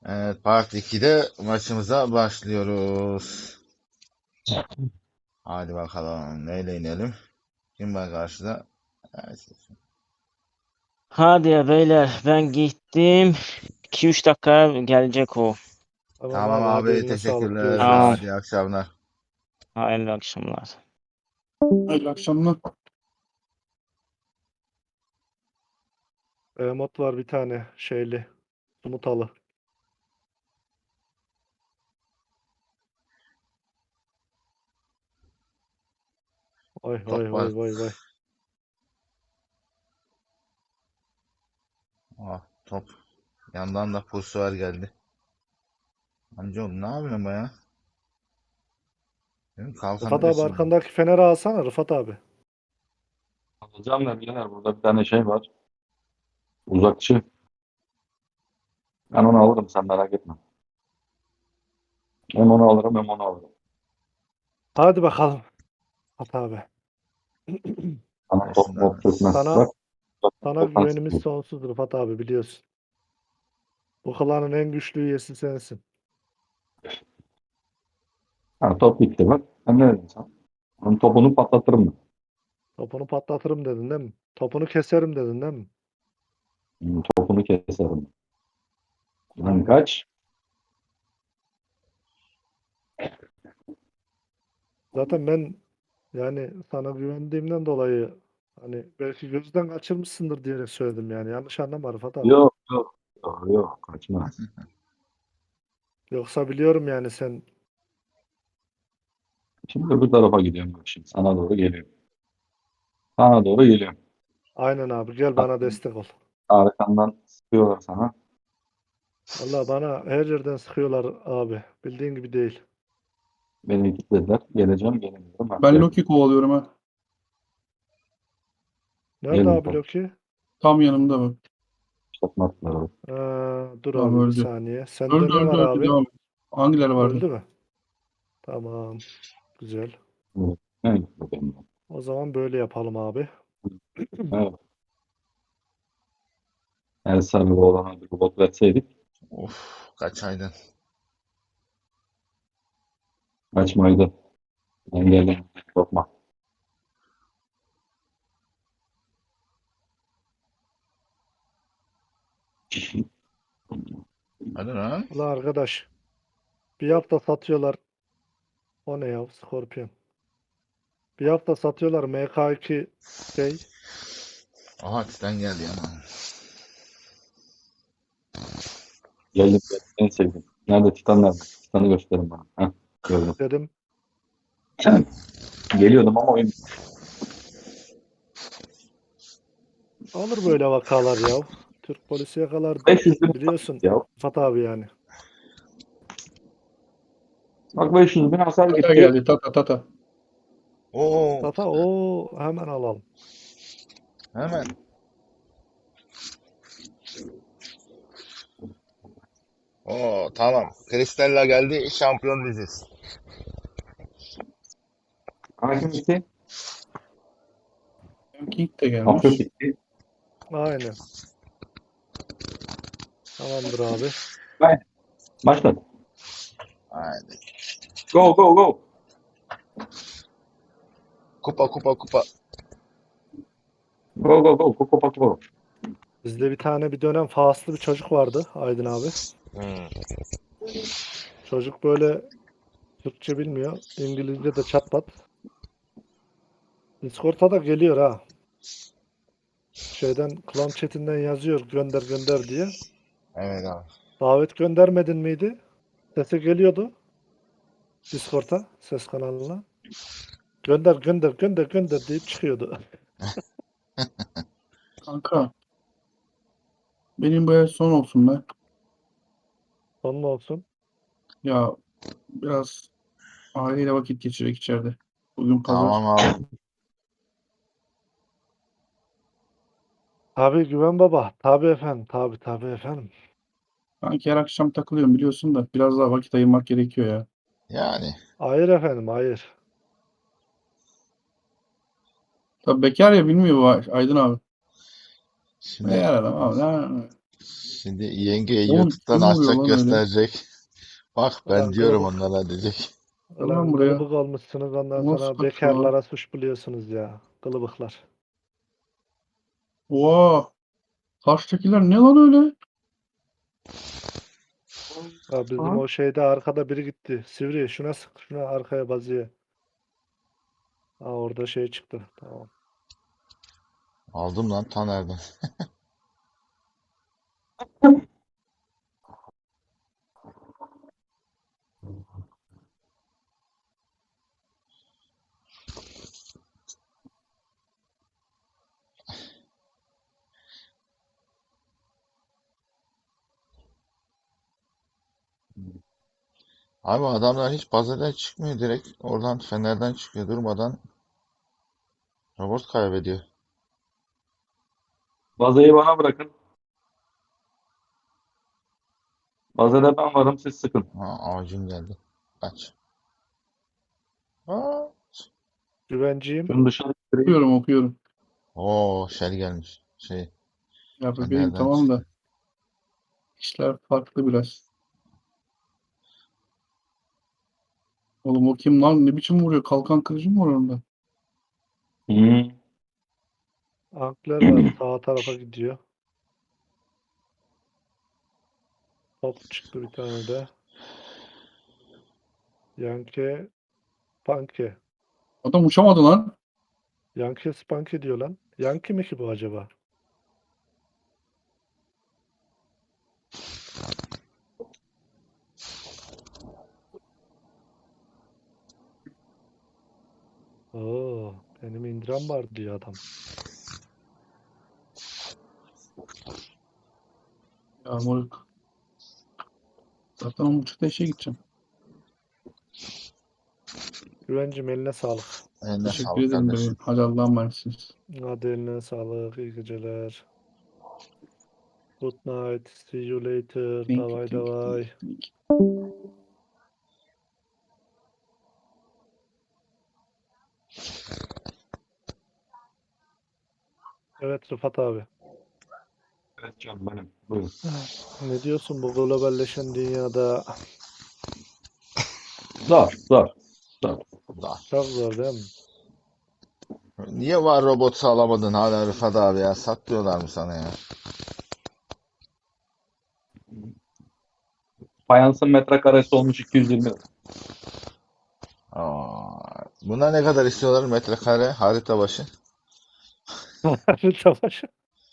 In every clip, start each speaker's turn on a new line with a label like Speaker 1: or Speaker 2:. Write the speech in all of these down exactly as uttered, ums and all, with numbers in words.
Speaker 1: Evet, Part ikide maçımıza başlıyoruz. Hadi bakalım. Neyle inelim? Kim var karşıda? Evet.
Speaker 2: Hadi ya beyler ben gittim. iki üç dakika gelecek o.
Speaker 3: Tamam
Speaker 1: Tamam
Speaker 3: abi, hadi
Speaker 1: abi,
Speaker 3: eline sağlık,
Speaker 1: teşekkürler.
Speaker 2: Tamam.
Speaker 3: görüşürüz.
Speaker 1: Hadi iyi akşamlar.
Speaker 2: Hayırlı akşamlar.
Speaker 4: Hayırlı akşamlar.
Speaker 3: E, mod var bir tane şeyli. Sumutalı. Vay vay
Speaker 1: Top
Speaker 3: vay
Speaker 1: var.
Speaker 3: vay vay.
Speaker 1: Ah, top. Yandan da Pulsuar geldi. Amcaoğlu ne yapıyorsun baya? Benim kalkan
Speaker 3: Rıfat abi,
Speaker 1: neresi?
Speaker 3: arkandaki feneri alsana Rıfat abi.
Speaker 5: Alacağım da birader, burada bir tane şey var. Uzakçı. Ben onu alırım, sen merak etme. Hem onu alırım hem onu alırım.
Speaker 3: Hadi bakalım Rıfat abi.
Speaker 5: Sana top
Speaker 1: Aslında
Speaker 5: mop çökmez.
Speaker 3: Sana
Speaker 5: Bak. Bak.
Speaker 3: sana
Speaker 5: Toptan
Speaker 3: güvenimiz
Speaker 5: sıkıyor.
Speaker 3: sonsuz Rıfat abi, biliyorsun. Bu klanın en güçlü üyesi sensin.
Speaker 5: Ha, top bitti bak. Ben ne dedim sana? Onun topunu patlatırım ben.
Speaker 3: Topunu patlatırım dedin değil mi? Topunu keserim dedin değil mi?
Speaker 5: Hmm, Topunu keserim. Lan
Speaker 3: Tamam.
Speaker 5: kaç?
Speaker 3: Zaten ben yani sana güvendiğimden dolayı hani belki gözden kaçırmışsındır diyerek söyledim yani. Yanlış anlama Rıfat abi.
Speaker 5: Yok yok. Yok yok. Kaçmaz.
Speaker 3: Yoksa biliyorum yani sen.
Speaker 5: Şimdi öbür tarafa gidiyorum bak şimdi. Sana doğru geliyorum. Sana doğru geliyorum.
Speaker 3: Aynen abi, gel
Speaker 5: Bak,
Speaker 3: bana destek ol.
Speaker 5: arkandan sıkıyorlar sana.
Speaker 3: Vallahi bana her yerden sıkıyorlar abi. Bildiğin gibi değil.
Speaker 5: Beni kilitlediler. Geleceğim gelemiyorum. Ha,
Speaker 4: Ben
Speaker 5: geldim.
Speaker 4: Loki kovalıyorum ha.
Speaker 3: Nerede
Speaker 5: Geldim
Speaker 3: abi
Speaker 5: top.
Speaker 3: Loki?
Speaker 4: Tam yanımda bak.
Speaker 5: Patlatma attılar.
Speaker 3: Aa, dur
Speaker 4: Tamam,
Speaker 3: abi bir
Speaker 4: öldü.
Speaker 3: saniye. Sende
Speaker 4: Öldü
Speaker 3: ne
Speaker 4: öldü
Speaker 3: var
Speaker 4: öldü,
Speaker 3: abi?
Speaker 4: devam et. Hangileri vardı?
Speaker 3: Öldü mü? Tamam. Güzel.
Speaker 5: Evet. Evet. Bakayım.
Speaker 3: O zaman böyle yapalım abi.
Speaker 5: Evet. Eğer sana bir oğlana bir robot verseydik
Speaker 1: of, kaçaydın.
Speaker 5: kaçmaydı. Engelledim. Korkma.
Speaker 1: Hadi lan.
Speaker 3: Ulan arkadaş. Bir hafta satıyorlar. O ne ya? Scorpion. Bir hafta satıyorlar M K iki şey.
Speaker 1: Aha, Titan geldi ama.
Speaker 5: Geldim. Geldim. En sevdiğim. Nerede? Titan nerede? Titan'ı gösterin bana. Heh, gördüm.
Speaker 3: Dedim.
Speaker 5: Geliyordum ama oyun
Speaker 3: Olur böyle vakalar ya. Türk polisi yakalar
Speaker 5: beş yüz bin
Speaker 3: biliyorsun
Speaker 5: ya.
Speaker 3: Rıfat abi yani.
Speaker 5: Bak beş yüz bin hasar
Speaker 4: Tata
Speaker 5: gitti.
Speaker 4: geldi, Tata Tata.
Speaker 1: Oo,
Speaker 3: Tata o hemen alalım.
Speaker 1: hemen. Oo, tamam. Kristalla geldi. Şampiyon biziz.
Speaker 5: Hakim gitti.
Speaker 4: King de
Speaker 5: Afyon
Speaker 4: gelmiş.
Speaker 5: gitti.
Speaker 3: Aynen. Tamamdır abi.
Speaker 5: Haydi. Başladı.
Speaker 1: Haydi.
Speaker 5: Go go go.
Speaker 1: Kupa kupa kupa.
Speaker 5: Go go go. Go go go.
Speaker 3: Bizde bir tane bir dönem faslı bir çocuk vardı Aydın abi.
Speaker 1: Hmm.
Speaker 3: Çocuk böyle Türkçe bilmiyor. İngilizce de çat pat. Discord'a da geliyor ha. Şeyden klan chatinden yazıyor gönder gönder diye.
Speaker 1: Evet abi.
Speaker 3: Davet göndermedin miydi? Sesi geliyordu Discord'a, ses kanalına. Gönder gönder gönder gönder deyip çıkıyordu.
Speaker 4: Kanka. Benim bu ev son olsun be.
Speaker 3: Onun olsun.
Speaker 4: Ya biraz aileyle vakit geçirek içeride. Bugün pazar.
Speaker 1: Tamam abi.
Speaker 3: Tabii Güven Baba. Tabii efendim. Tabii tabii efendim.
Speaker 4: Sanki her akşam takılıyorum biliyorsun da biraz daha vakit ayırmak gerekiyor ya.
Speaker 1: Yani.
Speaker 3: Hayır efendim, hayır.
Speaker 4: Tabii bekar ya, bilmiyor bu Aydın abi.
Speaker 1: Şimdi
Speaker 4: Bekar adam abi. Ne-
Speaker 1: Şimdi yenge
Speaker 4: Oğlum
Speaker 1: YouTube'dan
Speaker 4: kim vuruyor
Speaker 1: açacak
Speaker 4: lan öyle?
Speaker 1: gösterecek. Bak ben
Speaker 3: Ulan
Speaker 1: diyorum
Speaker 3: kılıbık.
Speaker 1: onlara diyecek.
Speaker 4: Gel lan
Speaker 3: Ulan
Speaker 4: buraya.
Speaker 3: kılıbık olmuşsunuz ondan
Speaker 4: Nasıl
Speaker 3: sonra
Speaker 4: kaçıyor lan?
Speaker 3: bekarlara suç buluyorsunuz ya. Kılıbıklar.
Speaker 4: Oha. Karşıdakiler ne lan öyle?
Speaker 3: Ya bizim
Speaker 4: Lan.
Speaker 3: o şeyde arkada biri gitti. Sivri şuna sık şuna arkaya bazıya. Ha orada şey çıktı. Tamam.
Speaker 1: Aldım lan Taner'den. Abi adamlar hiç bazadan çıkmıyor, direkt oradan Fener'den çıkıyor, durmadan robot kaybediyor.
Speaker 5: Bazayı bana bırakın. Bazada ben varım, siz sıkın.
Speaker 1: Ha, avcum geldi. Kaç. Aa.
Speaker 3: Güvenciyim.
Speaker 5: Şunu dışarı ittireyim.
Speaker 4: Okuyorum okuyorum.
Speaker 1: Oo, Shell gelmiş. Şey,
Speaker 4: Ya bebeğim
Speaker 1: Fener'den
Speaker 4: tamam da
Speaker 1: çıktı.
Speaker 4: işler farklı biraz. Oğlum o kim lan? Ne biçim vuruyor? Kalkan kılıcı mı var orada?
Speaker 5: Hmm.
Speaker 3: Ankler var. Sağ tarafa gidiyor. Top çıktı bir tane de. Yankee Panke.
Speaker 4: Adam uçamadı lan.
Speaker 3: Yankee Spanke diyor lan. Yankee mi ki bu acaba? Oo, benim indiram var diyor adam.
Speaker 4: Ya moruk. Zaten on buçukta işe gideceğim.
Speaker 3: Güvencim eline sağlık.
Speaker 1: Eline
Speaker 4: Teşekkür
Speaker 1: sağlık
Speaker 4: ederim
Speaker 1: kardeşim.
Speaker 4: bebeğim. Hadi Allah'a emanetsiniz.
Speaker 3: Hadi eline sağlık. İyi geceler. Good night. See you later.
Speaker 4: Thank you,
Speaker 3: Davay
Speaker 4: thank you, thank
Speaker 3: davay.
Speaker 4: you, thank you.
Speaker 3: Evet Rıfat abi.
Speaker 5: Evet canım benim. Buyurun.
Speaker 3: Ne diyorsun bu globalleşen dünyada?
Speaker 5: Zor, zor, zor.
Speaker 1: Da.
Speaker 3: Çok zor değil mi?
Speaker 1: Niye var robot sağlamadın hala Rıfat abi ya? Sat diyorlar mı sana ya?
Speaker 5: Fayansın metrekaresi olmuş iki yüz yirmi lira.
Speaker 1: Aa, buna ne kadar istiyorlar metrekare harita başı?
Speaker 3: Savaş.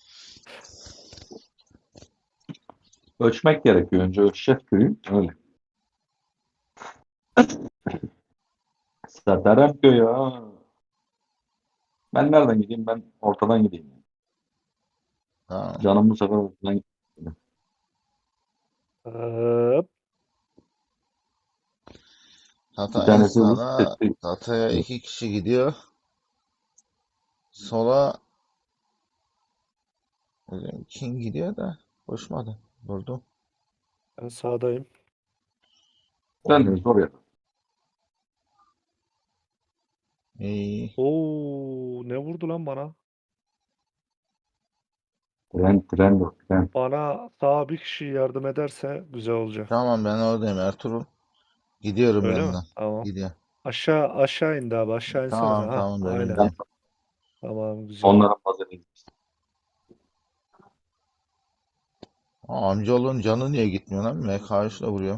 Speaker 5: Ölçmek gerekiyor. Önce ölçeceğiz köyü. Öyle. Satarım köyü ha. Ben nereden gideyim? Ben ortadan gideyim.
Speaker 1: Ha,
Speaker 5: Canım bu sefer ortadan gidiyor.
Speaker 3: Hop.
Speaker 5: Bir
Speaker 1: Tata en
Speaker 5: tanesi hız
Speaker 1: sağda,
Speaker 5: etti.
Speaker 1: Tata'ya iki kişi gidiyor. Sola kim gidiyor da koşmadı. Durdu.
Speaker 3: Ben sağdayım.
Speaker 5: Sen de oraya.
Speaker 1: İyi.
Speaker 3: Oo, ne vurdu lan bana?
Speaker 5: Tren, tren dur, tren.
Speaker 3: Bana sağ bir kişi yardım ederse güzel olacak.
Speaker 1: Tamam ben oradayım Ertuğrul. Gidiyorum
Speaker 3: Öyle mi?
Speaker 1: yanına.
Speaker 3: Tamam.
Speaker 1: Gidiyor.
Speaker 3: Aşağı aşağı indi abi. Aşağı insene sen.
Speaker 1: Tamam
Speaker 3: Ha,
Speaker 1: tamam ben
Speaker 3: aynen.
Speaker 5: Ben
Speaker 1: indiyim.
Speaker 3: Tamam güzel.
Speaker 5: onların bazını.
Speaker 1: Aa, amcaoğlunun canı niye gitmiyor lan? M K üçle vuruyor.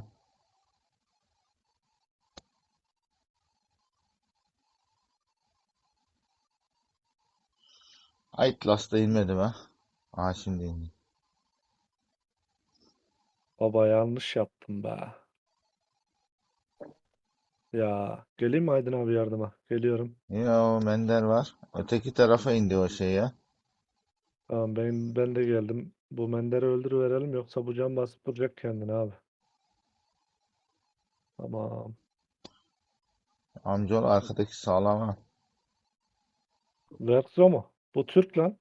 Speaker 1: Outlast'ta inmedim ha. Aa şimdi indim.
Speaker 3: Baba yanlış yaptım be. Ya geleyim mi Aydın abi yardıma? Geliyorum.
Speaker 1: Ya o Mender var. Öteki tarafa indi o şey ya.
Speaker 3: Tamam ben ben de geldim. Bu Mender'i öldürüverelim yoksa bu can basıp duracak kendini abi. Tamam.
Speaker 1: Amcaoğlu arkadaki sağlam ha.
Speaker 3: Verzo mu? Bu Türk lan.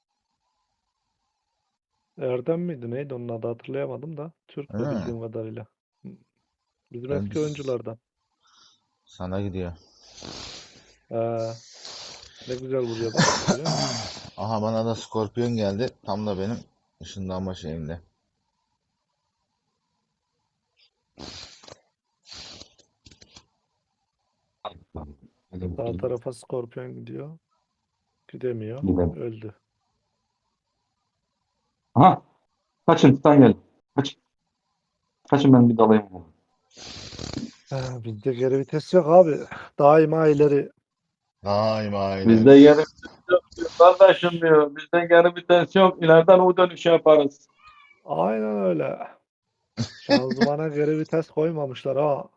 Speaker 3: Erdem miydi? Neydi onun adı hatırlayamadım da. Türk bu
Speaker 1: Öyle mi?
Speaker 3: bildiğim kadarıyla. Bizim
Speaker 1: Ben
Speaker 3: eski oyunculardan.
Speaker 1: sana gidiyor.
Speaker 3: Ee, ne güzel vuruyor bak. Görüyor musun?
Speaker 1: Aha bana da Skorpiyon geldi. Tam da benim ışınlanma şeyimde.
Speaker 3: Sağ
Speaker 5: bakayım.
Speaker 3: tarafa Skorpiyon gidiyor. Gidemiyor.
Speaker 5: Gidelim.
Speaker 3: Öldü.
Speaker 5: Aha. Kaçın Titan geldi. Kaç. Kaçın ben bir dalayım.
Speaker 3: Ha, bizde geri vites yok abi. Daima ileri.
Speaker 1: Daima ileri.
Speaker 5: Bizde geri vites yok diyor. Kardeşim diyor. Bizde geri vites yok. İleriden U dönüşü yaparız.
Speaker 3: Aynen öyle. Şanzımana geri vites koymamışlar ha.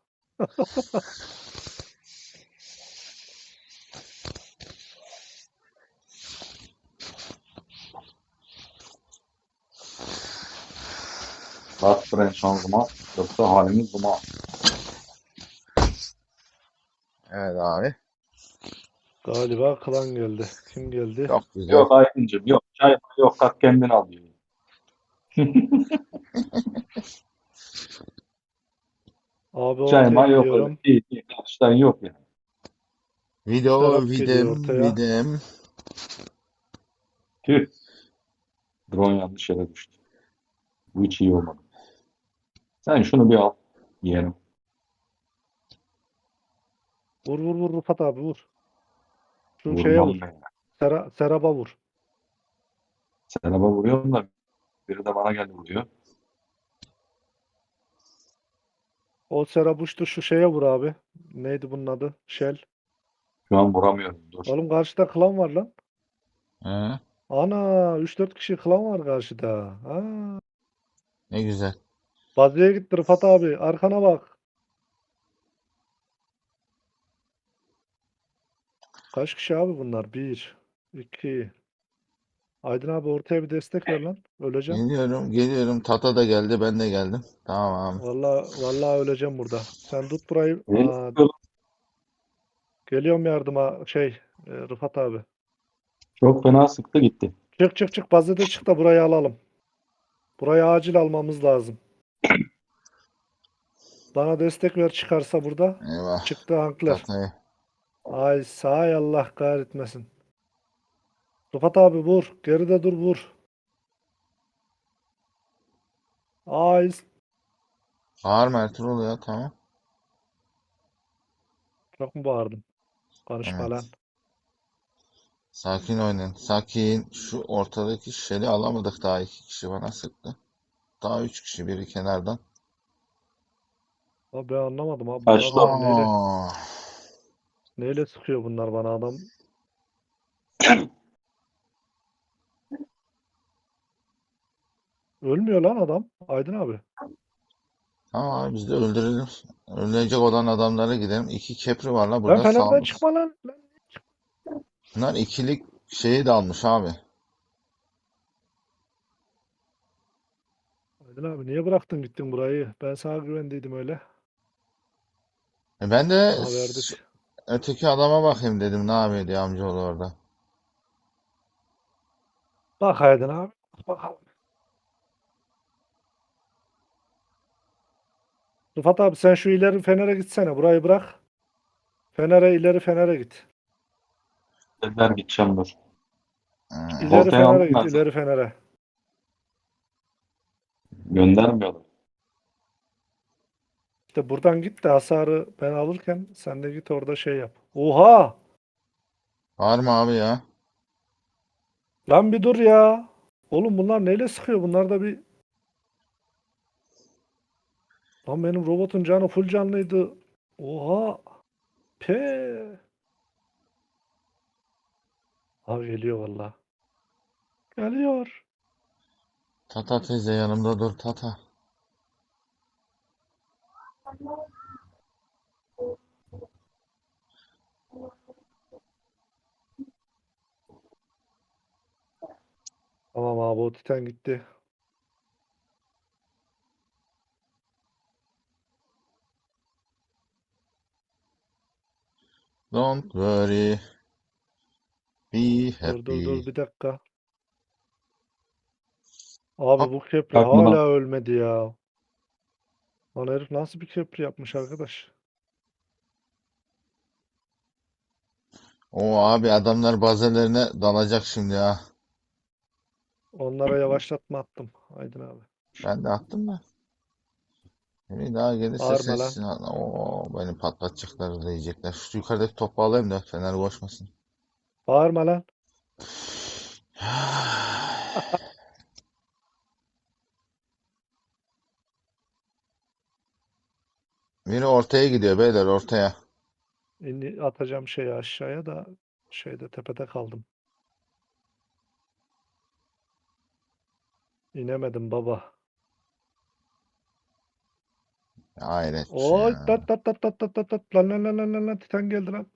Speaker 5: Bas fren şanzıman. Yoksa halimiz duman.
Speaker 1: Evet abi.
Speaker 3: Galiba klan geldi. Kim geldi?
Speaker 1: Çok güzel.
Speaker 5: Yok Aydıncığım yok. Çay yok. Kalk kendin al diyor.
Speaker 3: Abi
Speaker 5: Çay
Speaker 3: ortaya
Speaker 5: may yok öyle.
Speaker 3: gidiyorum.
Speaker 5: İyi iyi. Karşıdan yok yani.
Speaker 1: Video
Speaker 3: Serap geliyor
Speaker 1: vidim
Speaker 3: ortaya.
Speaker 1: vidim.
Speaker 5: Tüh. Drone yanlış yere düştü. Bu hiç iyi olmadı. Sen şunu bir al. Yeğenim.
Speaker 3: Vur vur vur Rıfat abi vur. Şu şeye
Speaker 5: Vurmam
Speaker 3: vur.
Speaker 5: ben.
Speaker 3: Sera, Serap'a vur.
Speaker 5: Seraba vuruyorum da biri de bana geldi vuruyor.
Speaker 3: O Serap uçtu şu şeye vur abi. Neydi bunun adı? Shell.
Speaker 5: Şu an vuramıyorum. Dur.
Speaker 3: Oğlum karşıda klan var lan.
Speaker 1: He,
Speaker 3: Ana üç dört kişi klan var karşıda. Ha.
Speaker 1: ne güzel.
Speaker 3: Bazıya gitti Rıfat abi. Arkana bak. Kaç kişi abi bunlar? Bir, iki. Aydın abi ortaya bir destek ver lan. Öleceğim.
Speaker 1: Geliyorum, geliyorum. Tata da geldi, ben de geldim. Tamam.
Speaker 3: Vallahi vallahi öleceğim burada. Sen tut burayı.
Speaker 5: Beni
Speaker 3: Aa,
Speaker 5: sıkıyor.
Speaker 3: geliyorum yardıma şey e, Rıfat abi.
Speaker 5: Çok fena sıktı gitti.
Speaker 3: Çık çık çık bazede çık da burayı alalım. Burayı acil almamız lazım. Bana destek ver çıkarsa burada.
Speaker 1: Eyvah.
Speaker 3: Çıktı Hankler.
Speaker 1: Tatayı.
Speaker 3: Ay sağ Allah kahretmesin. Rıfat abi vur. Geride dur vur. Ay
Speaker 1: Bağırma Ertuğrul ya, tamam.
Speaker 3: çok mu bağırdım? Konuşma
Speaker 1: Evet.
Speaker 3: lan.
Speaker 1: Sakin oynayın. Sakin. Şu ortadaki şişeli alamadık, daha iki kişi bana sıktı. Daha üç kişi, biri kenardan.
Speaker 3: Abi ben anlamadım abi. Bu
Speaker 5: Kaçtı.
Speaker 3: adamlar neyle,
Speaker 1: Aa,
Speaker 3: neyle sıkıyor bunlar bana adam. Ölmüyor lan adam. Aydın abi.
Speaker 1: tamam abi, biz de öldürelim. Ölecek olan adamlara gidelim. İki kepri var la
Speaker 3: Lan
Speaker 1: burada,
Speaker 3: Fener'den
Speaker 1: sağ.
Speaker 3: çıkma lan. Lan.
Speaker 1: Bunlar ikilik şeyi de almış abi.
Speaker 3: Aydın abi niye bıraktın gittin burayı? Ben sana güvendiydim öyle.
Speaker 1: E ben de
Speaker 3: Aha verdik.
Speaker 1: öteki adama bakayım dedim, ne yapıyor diye, amcaoğlu orada.
Speaker 3: Bak Aydın abi. Bakalım. Rıfat abi sen şu ileri Fener'e gitsene. Burayı bırak. Fener'e ileri Fener'e git.
Speaker 5: Dediler gideceğim dur.
Speaker 1: Ee,
Speaker 3: İleri
Speaker 5: Ortaya
Speaker 3: Fener'e
Speaker 5: aldım
Speaker 3: git.
Speaker 5: ben sana.
Speaker 3: İleri Fener'e.
Speaker 5: Göndermiyorlar.
Speaker 3: İşte buradan git de hasarı ben alırken sen de git orada şey yap. Oha!
Speaker 1: var mı abi ya?
Speaker 3: Lan bir dur ya. Oğlum bunlar neyle sıkıyor? Bunlar da bir... Lan benim robotun canı full canlıydı. Oha! Pe. Abi geliyor valla. Geliyor.
Speaker 1: Tata teyze yanımda dur Tata.
Speaker 3: Tamam abi o Titan gitti.
Speaker 1: Don't worry, be
Speaker 3: Dur dur dur
Speaker 1: happy.
Speaker 3: bir dakika. Abi
Speaker 1: Hop,
Speaker 3: bu köprü
Speaker 5: Kalk buna.
Speaker 3: hala ölmedi ya. Lan herif nasıl bir köprü yapmış arkadaş?
Speaker 1: o abi adamlar bazelerine dalacak şimdi ha.
Speaker 3: Onlara yavaşlatma attım. Aydın abi.
Speaker 1: Ben de attım da. Biri daha gelirse
Speaker 3: Bağırma lan.
Speaker 1: sesini o beni patlatacaklar da yiyecekler. Şu yukarıdaki topu alayım da Fener koşmasın.
Speaker 3: Bağırma lan.
Speaker 1: Biri ortaya gidiyor beyler ortaya.
Speaker 3: İni atacağım şeyi aşağıya da şeyde tepede kaldım. İnemedim baba.
Speaker 1: Hayret
Speaker 3: Oy
Speaker 1: ya.
Speaker 3: tat tat tat tat tat tat tat lan lan lan lan lan lan Titan geldi lan.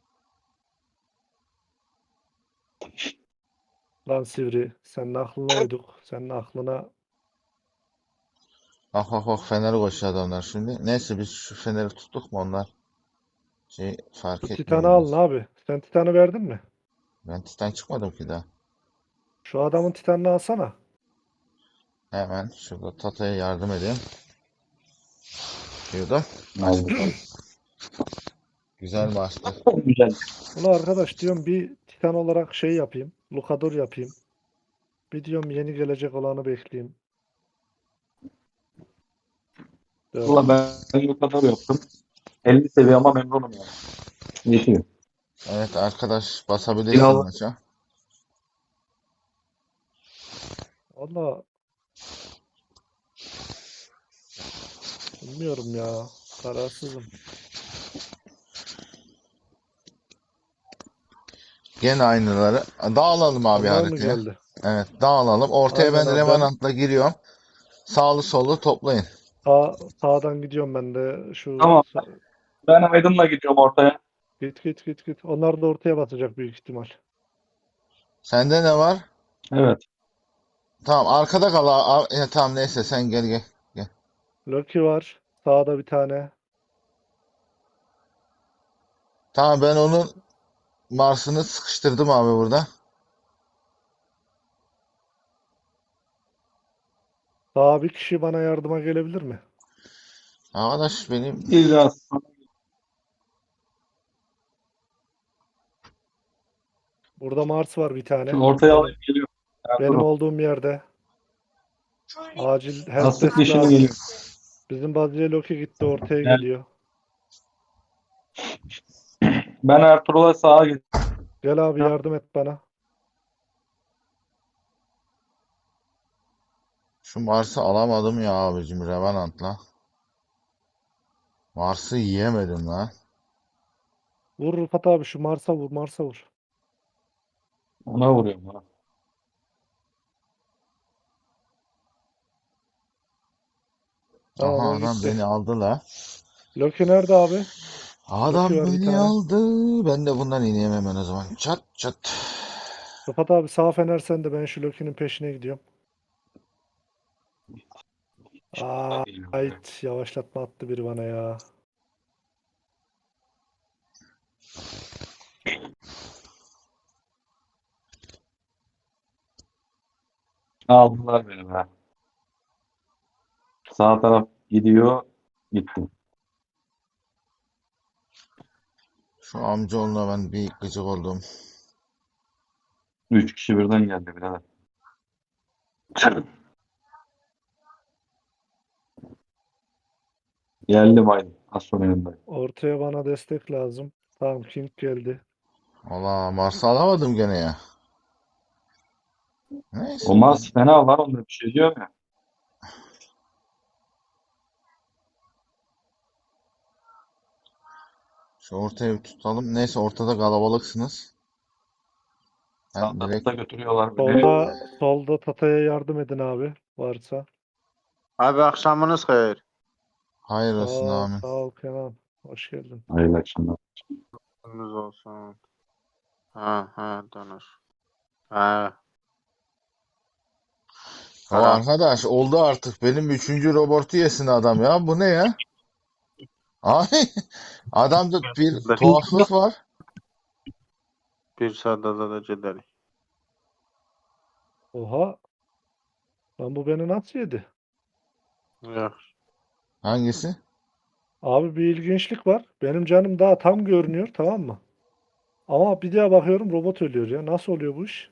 Speaker 3: Lan Sivri senin aklına uyduk. Senin aklına
Speaker 1: Bak bak bak Fener koşuyor adamlar şimdi. Neyse biz şu Fener'i tuttuk mu onlar şey fark
Speaker 3: şu
Speaker 1: etmiyor
Speaker 3: Titan'ı alın
Speaker 1: biraz.
Speaker 3: abi. Sen Titan'ı verdin mi?
Speaker 1: Ben Titan çıkmadım ki daha.
Speaker 3: Şu adamın Titan'ını alsana.
Speaker 1: Hemen şurada Tata'ya yardım edeyim. Diyordum.
Speaker 5: Aldık aldık.
Speaker 1: Güzel bastı.
Speaker 5: Güzel.
Speaker 3: Ulan arkadaş diyorum bir Titan olarak şey yapayım. Lucadur yapayım. Bir diyorum yeni gelecek olanı bekleyeyim. Dört.
Speaker 5: Valla ben bu kadar yaptım. elli seviye ama memnunum yani. Yetiyor.
Speaker 1: Evet arkadaş basabilirsin
Speaker 5: Silahlı.
Speaker 1: maça.
Speaker 3: Valla bilmiyorum ya. Kararsızım.
Speaker 1: Gene aynıları. Dağılalım abi
Speaker 3: Onlar mı
Speaker 1: haritaya.
Speaker 3: geldi?
Speaker 1: Evet dağılalım. Ortaya
Speaker 3: Aynen
Speaker 1: ben
Speaker 3: abi. Ben
Speaker 1: Revenant'la giriyorum. Sağlı sollu toplayın.
Speaker 3: sağ, sağdan gidiyorum ben de. Şu
Speaker 5: Tamam.
Speaker 3: sa-
Speaker 5: Ben Aydın'la gidiyorum ortaya.
Speaker 3: git git git git. Onlar da ortaya basacak büyük ihtimal.
Speaker 1: Sende ne var?
Speaker 5: Evet.
Speaker 1: Tamam arkada kal. a- a- e, tamam neyse sen gel gel. Gel.
Speaker 3: Loki var. Sağda bir tane.
Speaker 1: Tamam ben onun Mars'ını sıkıştırdım abi burada.
Speaker 3: Daha bir kişi bana yardıma gelebilir mi?
Speaker 1: Arkadaş benim
Speaker 5: Biraz.
Speaker 3: Burada Mars var bir tane.
Speaker 5: Şu ortaya
Speaker 3: Benim,
Speaker 5: alayım geliyorum.
Speaker 3: benim
Speaker 5: Ertuğrul.
Speaker 3: olduğum yerde. Acil
Speaker 5: Asıl
Speaker 3: helpdesk
Speaker 5: dişini
Speaker 3: lazım.
Speaker 5: geliyor.
Speaker 3: Bizim Bazıya Loki gitti ortaya
Speaker 5: Gel.
Speaker 3: geliyor.
Speaker 5: Ben Ertuğrul'a sağa gidiyorum.
Speaker 3: Gel abi yardım et bana.
Speaker 1: şu Mars'ı alamadım ya abicim Revenant'la. Mars'ı yiyemedim lan.
Speaker 3: Vur Rıfat abi şu Mars'a vur Mars'a vur.
Speaker 5: Ona vuruyorum. Ha.
Speaker 3: Tamam
Speaker 1: Aha
Speaker 3: o
Speaker 1: adam
Speaker 3: gitti.
Speaker 1: beni aldı la.
Speaker 3: Loki nerede abi? Loki
Speaker 1: Adam
Speaker 3: var bir
Speaker 1: beni
Speaker 3: tane.
Speaker 1: aldı. Ben de bundan ineyim hemen o zaman. Çat çat.
Speaker 3: Rıfat abi sağ fener sende. Ben şu Loki'nin peşine gidiyorum. Aa,
Speaker 5: Geliyorum.
Speaker 3: ait yavaşlatma attı biri bana ya.
Speaker 5: Aldılar beni be. Sağ taraf gidiyor. Gitti.
Speaker 1: Şu amcaoğluna ben bir gıcık oldum.
Speaker 5: Üç kişi birden geldi birader. Geldim Aydın. Az sonra yanındayım.
Speaker 3: Ortaya bana destek lazım. Tamam King geldi.
Speaker 1: Valla Mars'ı alamadım gene ya. Neyse.
Speaker 5: O Mars fena var onda bir şey diyor ya.
Speaker 1: Şu ortaya bir tutalım. Neyse ortada kalabalıksınız.
Speaker 5: Sağ
Speaker 1: Ben direkt
Speaker 5: tarafta götürüyorlar beni.
Speaker 3: Solda, solda Tata'ya yardım edin abi. Varsa.
Speaker 6: Abi akşamınız hayır.
Speaker 1: hayır
Speaker 3: Sağ
Speaker 1: olsun
Speaker 3: ol,
Speaker 1: amin.
Speaker 3: sağ ol Kenan. Hoş geldin.
Speaker 5: Hayırlı akşamlar.
Speaker 6: Gününüz olsun. Ha ha danış. Ha.
Speaker 1: Ya
Speaker 6: Karan.
Speaker 1: arkadaş oldu artık. Benim üçüncü robotu yesin adam ya. Bu ne ya? Abi adamda bir tuhaflık var.
Speaker 6: Bir sadada da cedeli.
Speaker 3: Oha. Lan bu beni nasıl yedi?
Speaker 6: Yok.
Speaker 1: Hangisi?
Speaker 3: Abi bir ilginçlik var. Benim canım daha tam görünüyor, tamam mı? Ama bir daha bakıyorum robot ölüyor ya. Nasıl oluyor bu iş?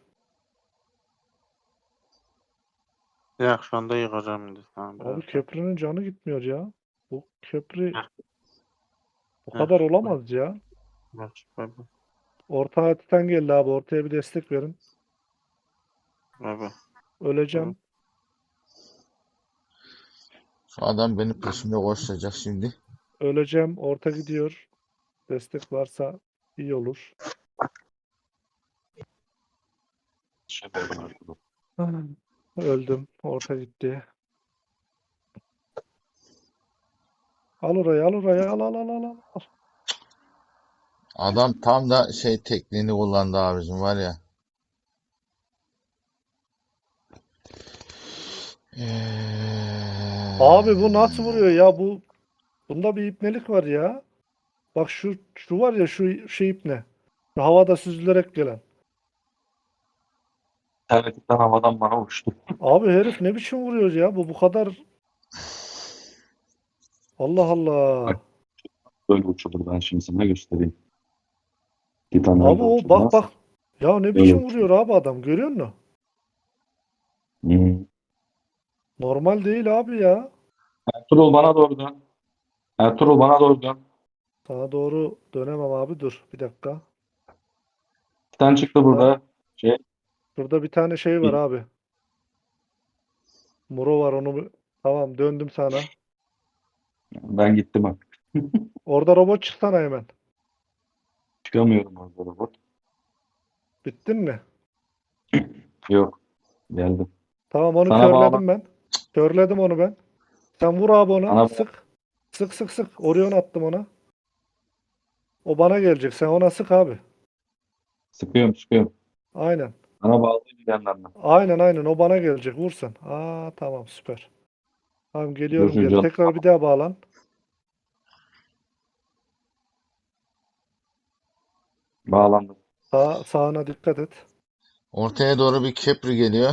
Speaker 6: Yok şu anda yıkacağım dedi. Tamam,
Speaker 3: Abi
Speaker 6: biraz.
Speaker 3: köprünün canı gitmiyor ya. Bu köprü
Speaker 6: Heh.
Speaker 3: bu
Speaker 6: Heh.
Speaker 3: kadar olamaz ya.
Speaker 6: Bak, bak, bak,
Speaker 3: Orta hatitten geldi abi. Ortaya bir destek verin.
Speaker 6: bak.
Speaker 3: Öleceğim.
Speaker 1: Şu adam benim peşimde koşacak şimdi.
Speaker 3: Öleceğim. Orta gidiyor. Destek varsa iyi olur.
Speaker 5: Şey verdim Ertuğrul.
Speaker 3: Öldüm. Orta gitti. Al orayı, al orayı, al al al al. al.
Speaker 1: Adam tam da şey tekniğini kullandı abicim var ya. Eee,
Speaker 3: Abi bu nasıl vuruyor ya? Bu bunda bir ipnelik var ya. Bak şu şu var ya şu şey ipne. Şu havada süzülerek gelen.
Speaker 5: İnternetten havadan bana uçtu.
Speaker 3: Abi herif ne biçim vuruyor ya? Bu bu kadar. Allah Allah.
Speaker 5: Böyle uçulur, ben şimdi sana göstereyim. Titan
Speaker 3: Abi
Speaker 5: öyle
Speaker 3: o bak
Speaker 5: uçulmaz.
Speaker 3: bak. Ya ne
Speaker 5: Böyle
Speaker 3: biçim
Speaker 5: uçulur.
Speaker 3: vuruyor abi adam. Görüyor musun?
Speaker 5: Hmm.
Speaker 3: Normal değil abi ya.
Speaker 5: Ertuğrul bana doğru dön. Ertuğrul bana doğru dön.
Speaker 3: Sana doğru dönemem abi. Dur bir dakika.
Speaker 5: Titan çıktı burada. Şey,
Speaker 3: Şurada bir tane şey var abi. Muro var onu. bir- Tamam döndüm sana.
Speaker 5: ben gittim bak.
Speaker 3: Orada robot çıksana hemen.
Speaker 5: Çıkamıyorum orada robot.
Speaker 3: Bittin mi?
Speaker 5: Yok. Geldim.
Speaker 3: Tamam onu
Speaker 5: Sana bağlan.
Speaker 3: körledim ben. Körledim onu ben. Sen vur abi ona.
Speaker 5: Sana
Speaker 3: Sık. Sık sık sık. Orion attım ona. O bana gelecek. Sen ona sık abi.
Speaker 5: sıkıyorum sıkıyorum.
Speaker 3: Aynen.
Speaker 5: Sana bağlayayım bir yandan da.
Speaker 3: Aynen aynen. O bana gelecek. Vur sen. Aa tamam süper. Tamam
Speaker 5: Dur
Speaker 3: geliyorum
Speaker 5: şu
Speaker 3: geri.
Speaker 5: can.
Speaker 3: Tekrar bir daha bağlan.
Speaker 5: Bağlandım.
Speaker 3: Sağ, sağına dikkat et.
Speaker 1: ortaya doğru bir Kepri geliyor.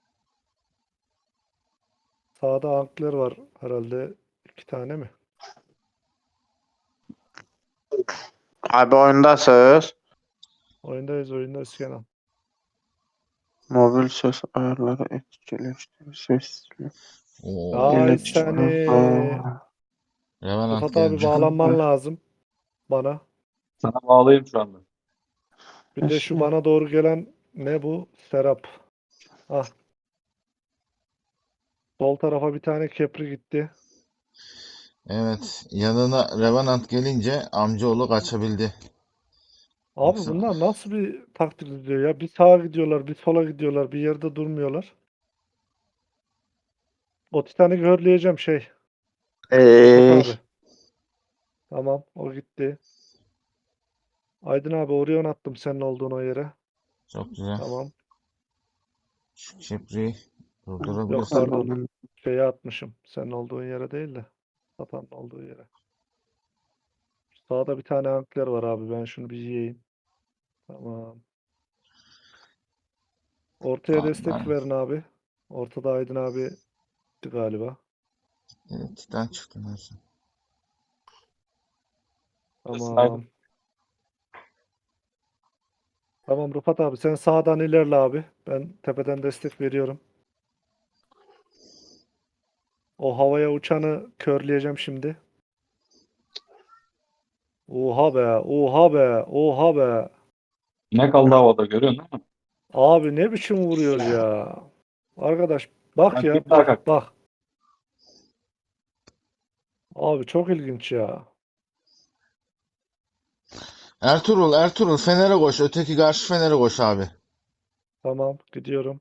Speaker 3: Sağda ankler var herhalde. İki tane mi?
Speaker 6: Abi oyundasınız.
Speaker 3: Oyundayız oyundayız Kenan.
Speaker 6: Mobil ses ayarları etkileştir. Sesli.
Speaker 1: Oo,
Speaker 3: Ay
Speaker 6: İletişim.
Speaker 3: seni.
Speaker 1: Revenant
Speaker 3: Rıfat abi
Speaker 1: geldi.
Speaker 3: bağlanman lazım. Bana.
Speaker 5: Sana bağlayayım şu anda.
Speaker 3: Bir de şu bana doğru gelen ne bu? Serap. Ah. Sol tarafa bir tane kepri gitti.
Speaker 1: Evet, yanına Revenant gelince amcaoğlu kaçabildi.
Speaker 3: Abi
Speaker 1: Yoksa
Speaker 3: bunlar nasıl bir taktik izliyor ya? Bir sağa gidiyorlar, bir sola gidiyorlar, bir yerde durmuyorlar. O Titan'ı görleyeceğim şey. Rıfat
Speaker 6: Ey.
Speaker 3: abi. Tamam, o gitti. Aydın abi Orion attım senin olduğun o yere.
Speaker 1: çok güzel.
Speaker 3: Tamam.
Speaker 1: Şu Kepri'yi
Speaker 3: Yok
Speaker 1: durdurabilirsin.
Speaker 3: pardon. Şeye atmışım. Senin olduğun yere değil de. Sapanın olduğu yere. Sağda bir tane ankler var abi. Ben şunu bir yiyeyim. Tamam. Ortaya
Speaker 1: Abi
Speaker 3: destek
Speaker 1: ben
Speaker 3: verin abi. Ortada Aydın abi gitti galiba.
Speaker 1: evet, Titan çıktı neyse.
Speaker 3: Tamam. Tamam Rıfat abi sen sağdan ilerle abi. Ben tepeden destek veriyorum. O havaya uçanı körleyeceğim şimdi. Oha be, oha be, oha be.
Speaker 5: Ne kaldı havada, görüyorsun değil mi?
Speaker 3: Abi ne biçim vuruyor ya. Arkadaş bak
Speaker 5: Ben
Speaker 3: ya
Speaker 5: bir daha
Speaker 3: bak
Speaker 5: kalk.
Speaker 3: bak. Abi çok ilginç ya.
Speaker 1: Ertuğrul, Ertuğrul Fener'e koş. Öteki karşı Fener'e koş abi.
Speaker 3: Tamam gidiyorum.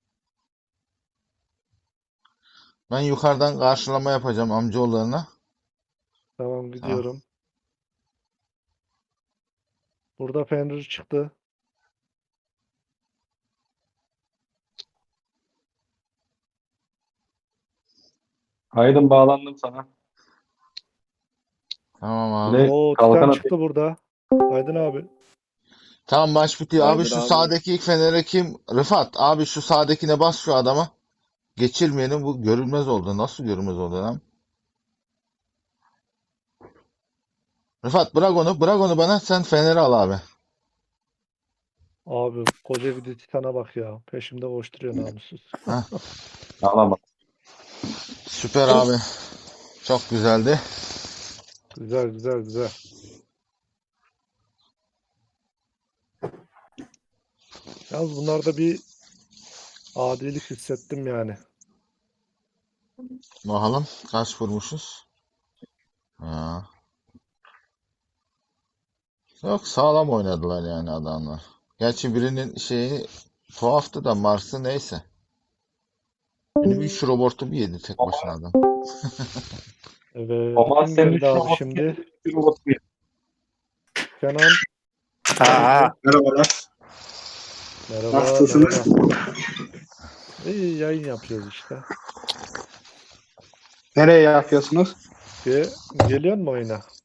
Speaker 1: Ben yukarıdan karşılama yapacağım amcaoğullarına.
Speaker 3: Tamam
Speaker 1: Tamam.
Speaker 3: gidiyorum. Burada Fenrir çıktı.
Speaker 5: Aydın bağlandım sana.
Speaker 1: Tamam abi.
Speaker 5: Bir de
Speaker 3: Oo
Speaker 5: kalkan
Speaker 3: Titan
Speaker 5: atayım.
Speaker 3: çıktı burada. Aydın abi.
Speaker 1: Tamam maç bitiyor. Abi
Speaker 4: Aydın
Speaker 1: şu
Speaker 4: abi.
Speaker 1: sağdaki ilk Fener'e kim? Rıfat abi şu sağdakine bas şu adama. Geçirmeyelim, bu görünmez oldu. Nasıl görünmez oldu lan? Rıfat bırak onu. Bırak onu bana. Sen Fener'i al abi.
Speaker 3: Abi koca bir de Titan'a bak ya. Peşimde koşturuyor namussuz.
Speaker 1: Heh,
Speaker 5: Ağlama.
Speaker 1: süper abi. Çok güzeldi.
Speaker 3: Güzel güzel güzel. Yalnız bunlarda bir adilik hissettim yani.
Speaker 1: Bakalım kaç vurmuşuz. Ha. Yok sağlam oynadılar yani adamlar. Gerçi birinin şeyi tuhaftı da Mars'ı neyse. Benim üç robotu bir yedi tek başına adam.
Speaker 3: Evet.
Speaker 5: Ama
Speaker 3: Kim
Speaker 5: senin
Speaker 3: geldi
Speaker 5: üç
Speaker 3: abi
Speaker 5: robot
Speaker 3: şimdi?
Speaker 5: bir robot bir.
Speaker 3: Kenan.
Speaker 6: Aha.
Speaker 4: Merhabalar.
Speaker 3: Merhaba
Speaker 4: Nasılsınız?
Speaker 3: merhaba. İyi yayın yapıyoruz işte.
Speaker 4: Nereye yapıyorsunuz?
Speaker 3: Ge geliyor mu oyuna?